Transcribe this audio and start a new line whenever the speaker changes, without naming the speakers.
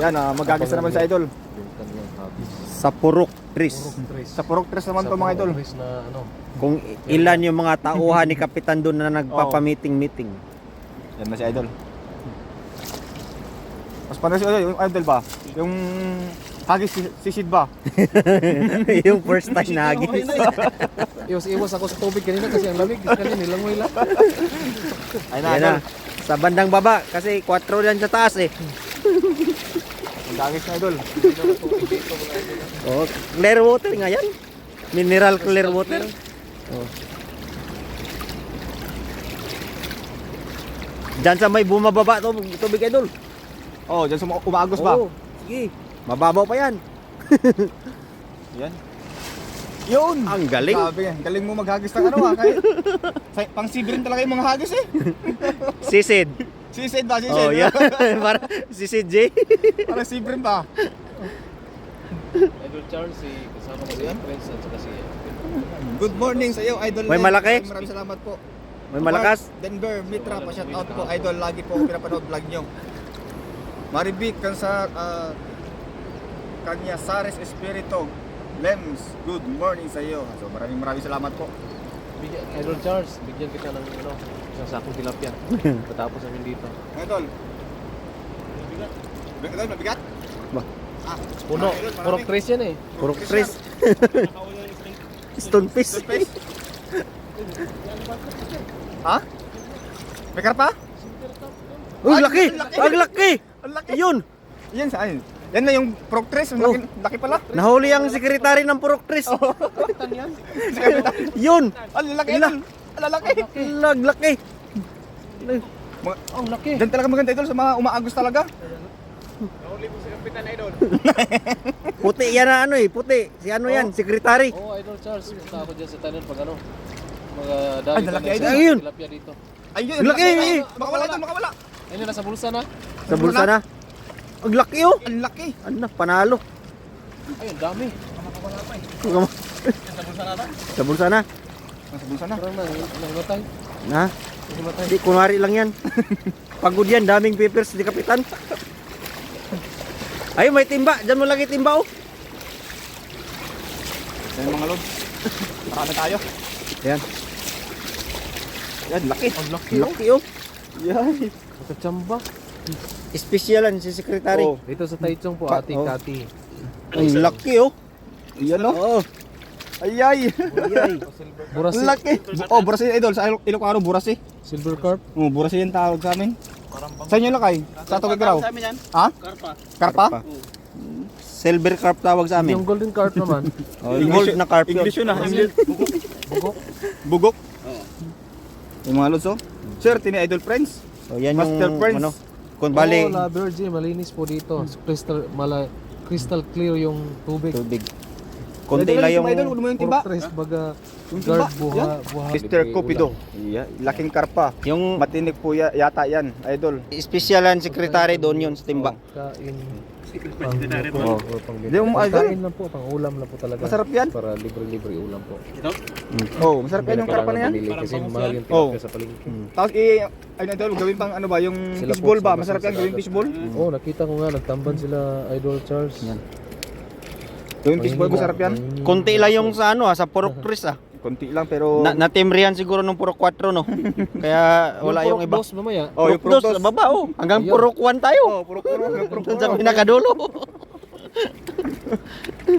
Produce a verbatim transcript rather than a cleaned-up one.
Yan, ah, mag-agis na naman sa idol.
Yung kanyang hobbies.
Sa Purok Tris.
Sa Purok Tres naman
Sa
to mga idol.
Purok na ano.
Kung ilan yung mga tauhan ni Kapitan doon na nagpapamiting-meeting.
Yan na si idol. Mas paano si idol, yung idol ba? Yung hagis si, si Sid ba?
Yung first time na hagis.
Iwas-iwas ako sa tubig kanina kasi ang lamig. Kanina nilangoy lang.
Ayun na
Yan
idol.
na. Sa bandang baba kasi kwatro yan sa taas eh.
Mag-agis na idol.
Oh, clear water nga yan. Mineral clear water. Oh. Diyan sa may bumababa to, tubig idol.
Oh, diyan sa umaagos ba?
Oo, sige. Mababaw pa yan.
Yan. Yun!
Ang galing.
Sabi yan, galing mo maghagis ng ano ah. Kahit, sa, pang sibrin talaga yung mga hagis eh.
Sisid.
Sisid ba? Sisid?
Oh, yeah. Para sisid J.
Parang sibrin ba?
Idol Charles, si kasama ko si Prince at saka si
Good morning sa iyo, Idol.
May
Len.
malaki?
Maraming salamat po.
May malakas.
Mark Denver, Mitra, pa-shout out po, Idol. Lagi po ako pinapanood vlog nyo. Maribik, kansa, uh, Kanya Sares Espirito, Lems, good morning sa iyo. So maraming maraming salamat po.
Bigyan, Idol Charles, bigyan kita ng ano, isang sakong tilapia. Patapos namin dito.
Idol. Mabigat? Idol, mabigat?
Ba?
Ah,
Puno,
Idol,
puro
marami.
Chris yan eh.
Puro Tris. Stonefish.
Toothpaste? Ha? May karpa?
Uy,
Ay,
laki!
ang laki!
Ang laki!
Ang laki!
Yun!
Yan saan? Yan na yung Proctres, ang
Oh.
laki, laki pala.
Nahuli ang sekretary ng Purok Tris.
Kapitan yan.
Si Kapitan.
Yun!
Ang lalaki,
Ila.
Idol. Ang lalaki.
Lag, laki!
Mga-
Ang laki.
Diyan talaga maganda idol sa mga umaagos talaga.
Puti yan na ano eh, puti. Si ano yan, sekretary.
Oo, Idol Charles, punta ako dyan sa tanan pag ano. Mga
Ay,
dami
lalaki,
kami
Idol.
sa
Ayun.
tilapia dito.
Ayun,
Ang laki, eh.
Makawala idol, makawala.
Ayun, nasa bulsa na.
Sa bulsa na. Ang laki oh!
Ang laki.
Ano na, panalo.
Ayun, dami.
Sa bulsa na.
Nasa bulsa na.
Parang nang, nangimatay.
Na?
Nangimatay.
Hindi, kunwari lang yan. Pagod yan, daming papers di Kapitan. Ay, may timba. Diyan mo lagi timba oh.
Yan mga lods. Marami tayo.
Yan.
Yan, laki.
Ang laki
Ang
oh.
laki oh.
Yan.
Nakachamba.
Espesyal si sekretary.
Oh.
Dito sa Taichung po,
Pa-
ati
oh.
Kati.
Ang laki oh.
Yan o.
Oo.
Ayay.
Ayay.
Burasi.
Ang laki. Oh, burasi idol. Sa Ilo- Ilocano, burasi.
Silver carp.
Oh, burasi yung tawag sa amin. Sa inyo lakay? Sa Tugig raw? Ha? Karpa. Karpa?
Silver carp tawag sa amin.
Yung golden carp naman.
Oh, gold na carp yun.
English yun ah. English.
Bugok.
Bugok. Yung mga lods oh. Sir, tini idol friends.
So yan
Master
yung
Prince.
ano. Kung bali,
Oh, La Virgin, malinis po dito. Crystal, mala, crystal clear yung tubig.
tubig. Konti lang yung
idol, mo yung tiba.
Puro tres, baga,
Yung timba,
guard, buha, buha.
Mister Cupido. Yeah, laking karpa.
yung
Matinik po ya- yata yan, idol.
espesyal ang sekretary doon yun sa timba.
Kain.
Oh.
Di mo, idol.
Kain lang po, pang ulam lang po talaga.
Masarap yan.
Para libre-libre ulam po.
Oh, masarap yan yung karpa na yan.
Bumili Kasi mahal yung
Oh.
tilapia sa palengke.
Tapos i ay idol, gawin pang ano ba, yung
Sila
fishball
po,
ba?
sila
Masarap
sa
yan gawin
dagat.
fishball.
Oh, nakita ko nga, nagtamban sila Idol Charles.
Yan.
Gawin fishball masarap yan.
Konti lang yung sa ano ah, sa Purok Tris ah.
Konti lang pero
Na natimrihan siguro nung Purok four no. Kaya wala yung iba.
Boss mamaya.
Oh, yung
Purok
Purok
dos,
dos.
baba oh. Hanggang
Ayun.
Purok one tayo.
Oh, puro puro, puro.
Doon sa pinakadulo.